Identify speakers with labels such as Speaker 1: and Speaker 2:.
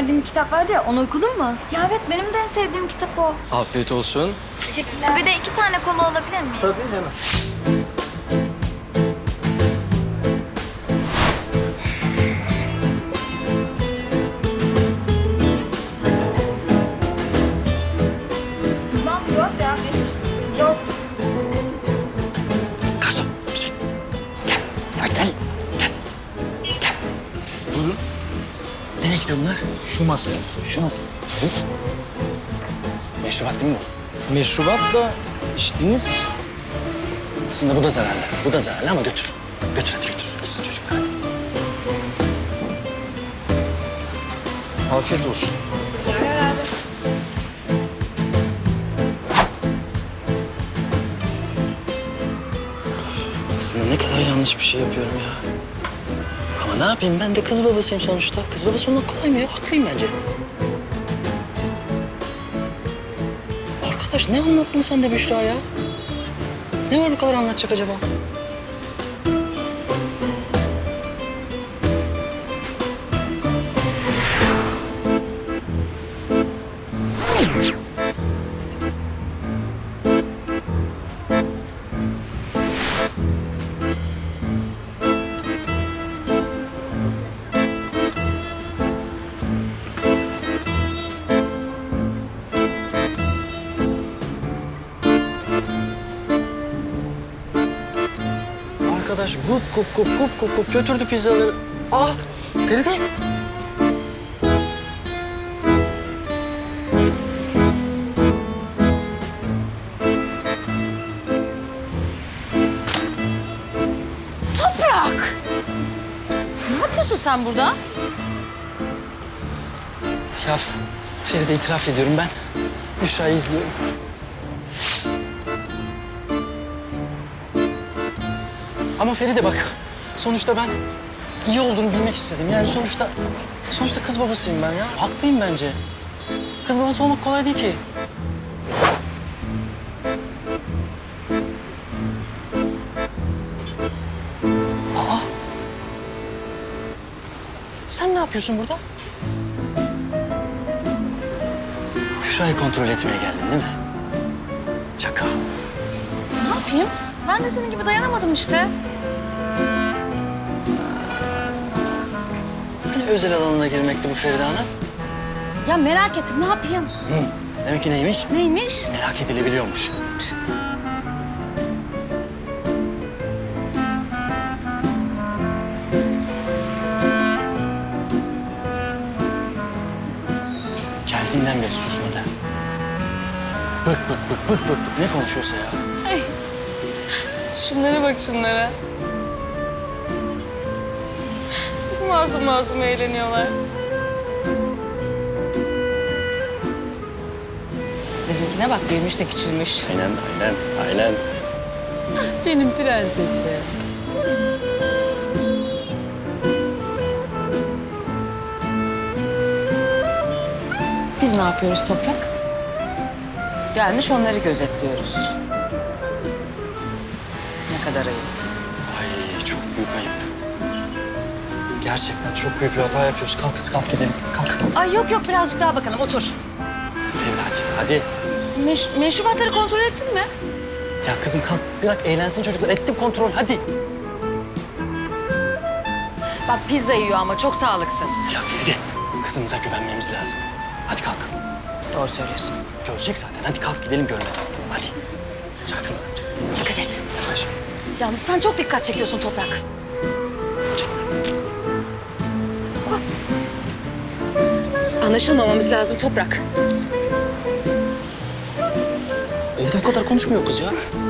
Speaker 1: verdiğim bir kitap vardı ya, onu okudun mu? Ya evet, benim de en sevdiğim kitap o.
Speaker 2: Afiyet olsun.
Speaker 1: Teşekkürler. Bir de 2 tane kola alabilir miyiz?
Speaker 2: Tabii hemen.
Speaker 1: Tamam, yok ya, 5 yaşında. Yok.
Speaker 3: Garson. Pişt. Gel. Ya gel. Gel. Gel.
Speaker 2: Buyurun.
Speaker 3: Nereye gidiyor bunlar?
Speaker 2: Şu masaya.
Speaker 3: Şu masa. Evet. Meşrubat değil mi bu?
Speaker 2: Meşrubat da içtiniz.
Speaker 3: Aslında bu da zararlı. Bu da zararlı ama götür. Götür hadi götür. Gitsin çocuklar hadi.
Speaker 2: Afiyet olsun.
Speaker 3: Aslında ne kadar yanlış bir şey yapıyorum ya. Ama ne yapayım, ben de kız babasıyım sonuçta. Kız babası olmak kolay mı ya? Haklıyım bence. Arkadaş ne anlattın sen de Büşra ya? Ne var bu kadar anlatacak acaba? Arkadaş gup götürdü pizzaları. Ah Feride.
Speaker 4: Toprak! Ne yapıyorsun sen burada?
Speaker 3: Ya Feride, itiraf ediyorum, ben Büşra'yı izliyorum. Ama Feride bak, sonuçta ben iyi olduğunu bilmek istedim. Yani sonuçta kız babasıyım ben ya. Haklıyım bence. Kız babası olmak kolay değil ki. Aa! Sen ne yapıyorsun burada? Büşra'yı kontrol etmeye geldin değil mi? Çakal.
Speaker 4: Ne yapayım? Ben de senin gibi dayanamadım işte.
Speaker 3: Hani özel alanına girmekti bu Feride Hanım?
Speaker 4: Ya merak ettim, ne yapayım?
Speaker 3: Hı. Demek ki neymiş?
Speaker 4: Neymiş?
Speaker 3: Merak edilebiliyormuş. Geldiğinden beri susmadı. Bık. Ne konuşuyorsa ya.
Speaker 4: Şunlara bak şunlara. Nasıl masum masum eğleniyorlar. Bizimkine bak, büyümüş de küçülmüş.
Speaker 3: Aynen.
Speaker 4: Benim prensesim. Biz ne yapıyoruz Toprak? Gelmiş onları gözetliyoruz. Ne kadar ayıp.
Speaker 3: Ay çok büyük ayıp. Gerçekten çok büyük bir hata yapıyoruz. Kalk kız, kalk gidelim. Kalk.
Speaker 4: Ay yok birazcık daha bakalım, otur.
Speaker 3: Feride hadi.
Speaker 4: Meşrubatları kontrol ettin mi?
Speaker 3: Ya kızım kalk, bırak eğlensin çocuklar. Ettim kontrol, hadi.
Speaker 4: Bak pizza yiyor ama çok sağlıksız.
Speaker 3: Ya Feride, kızımıza güvenmemiz lazım. Hadi kalk.
Speaker 4: Doğru söylüyorsun.
Speaker 3: Görecek zaten. Hadi kalk gidelim görmeden. Hadi. Çaktırma.
Speaker 4: Dikkat et.
Speaker 3: Yavaş.
Speaker 4: Yalnız sen çok dikkat çekiyorsun Toprak. Anlaşılmamamız lazım Toprak.
Speaker 3: Evde bu kadar konuşmuyor kız ya.